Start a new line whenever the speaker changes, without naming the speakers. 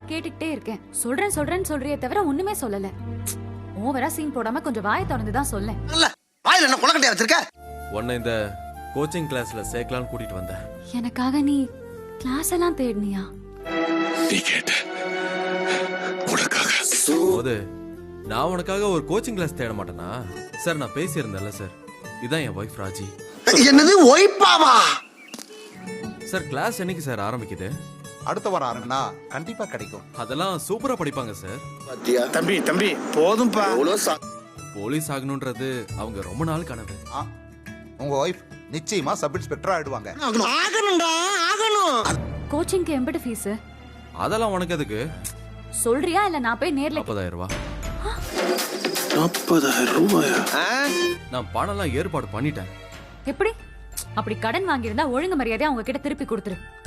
கேட்டுக்கிட்டே இருக்கேன். சொல்றேன்னு சொல்றியே தவிர ஒண்ணுமே சொல்லல. ஓவரா சீன் போடாம கொஞ்சம் வாயை திறந்து தான் சொல்லேன்.
வாயில என்ன குளக்கட்டையா வச்சிருக்க?
உன்னை இந்த கோச்சிங் கிளாஸ்ல சேர்க்கலாம்னு கூட்டிட்டு வந்தேன்.
எனக்காக நீ கிளாஸ் எல்லாம் தேடினியா?
நீ கேட்ட உனக்காக
போது நான் உனக்காக ஒரு கோச்சிங் கிளாஸ் தேட மாட்டேனா? சார் நான் பேசியிருந்தேன்ல சார், இதான் என் ஒய்ஃப் ராஜி.
என்னது ஒய்ஃபாவா?
சார் கிளாஸ் என்னைக்கு சார் ஆரம்பிக்குது?
அடுத்த வாரம் ஆரம்பினா கண்டிப்பா கிடைக்கும்.
அதெல்லாம் சூப்பரா படிப்பாங்க சார்.
தம்பி போதும்பா.
போலீஸ் ஆகணும்ன்றது அவங்க ரொம்ப நாள் கனவு.
உங்க ஒய்ஃப் நிச்சயமா சப் இன்ஸ்பெக்டர் ஆயிடுவாங்க.
கோச்சிங்க்கு எம்பட ஃபீஸ்?
அதெல்லாம் உனக்கு எதுக்கு?
சொல்றியா இல்ல நான் போய் நேர்ல?
40,000 ரூபாய்.
40,000 ரூபாயா?
நான் பணம்லாம் ஏற்பாடு பண்ணிட்டேன்.
எப்படி? அப்படி கடன் வாங்கியிருந்தா ஒழுங்கு மரியாதையா அவங்க கிட்ட திருப்பி கொடுத்துரு.